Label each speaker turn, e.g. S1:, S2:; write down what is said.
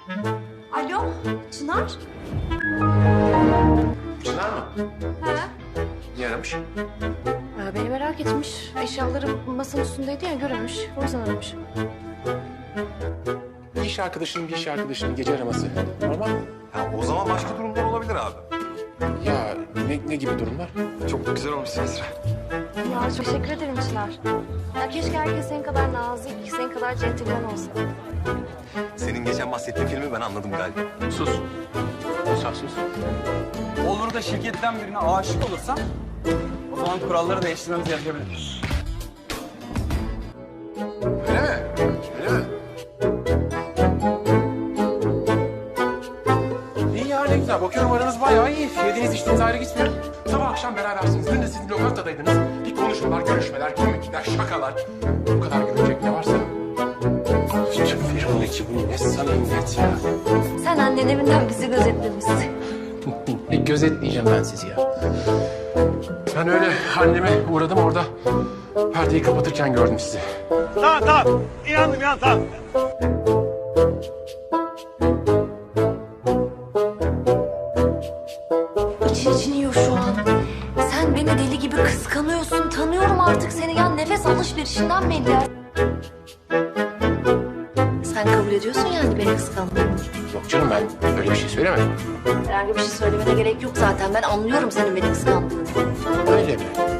S1: Alo, Çınar?
S2: Çınar mı?
S1: He?
S2: Niye aramış?
S3: Beni merak etmiş. Eşyalarım masanın üstündeydi ya, görmemiş. O yüzden aramış.
S2: Bir iş arkadaşının gece araması. Normal mi?
S4: Ya o zaman başka durumlar olabilir abi.
S2: Ya ne gibi durumlar?
S4: Çok güzel olmuş Esra.
S3: Ya çok teşekkür ederim Çınar. Ya keşke herkes senin kadar nazik, senin kadar centilmen olsa.
S4: Senin geçen bahsettiğin filmi ben anladım galiba.
S2: Sus. Musa sus.
S5: Olur da şirketten birine aşık olursan o zaman kuralları değiştirmemiz gerekebilir.
S2: Öyle mi? Öyle mi? İyi ya ne güzel. Bakıyorum aranız bayağı iyi. Yediğiniz içtiğiniz ayrı gitmiyor. Sabah akşam berabersiniz. Dün de siz lokantadaydınız. Bir konuşmalar, görüşmeler, komikler, şakalar. Bu kadar gülecek ne varsa. Şu firmadaki bu ne samimiyet ya.
S3: Sen annen evinden bizi gözetlemişsin.
S2: Gözetleyeceğim ben sizi ya. Ben öyle anneme uğradım orada. Perdeyi kapatırken gördüm sizi.
S6: Tamam. İnandım tamam.
S3: İçin yiyor şu an. Sen beni deli gibi kıskanıyorsun. Tanıyorum artık seni. Ya nefes alışverişinden belli ya. Sen kabul ediyorsun yani beni kıskandığını.
S2: Yok canım ben öyle bir şey söylemedim.
S3: Herhangi bir şey söylemene gerek yok zaten. Ben anlıyorum senin beni kıskandığını.
S2: Öyle mi?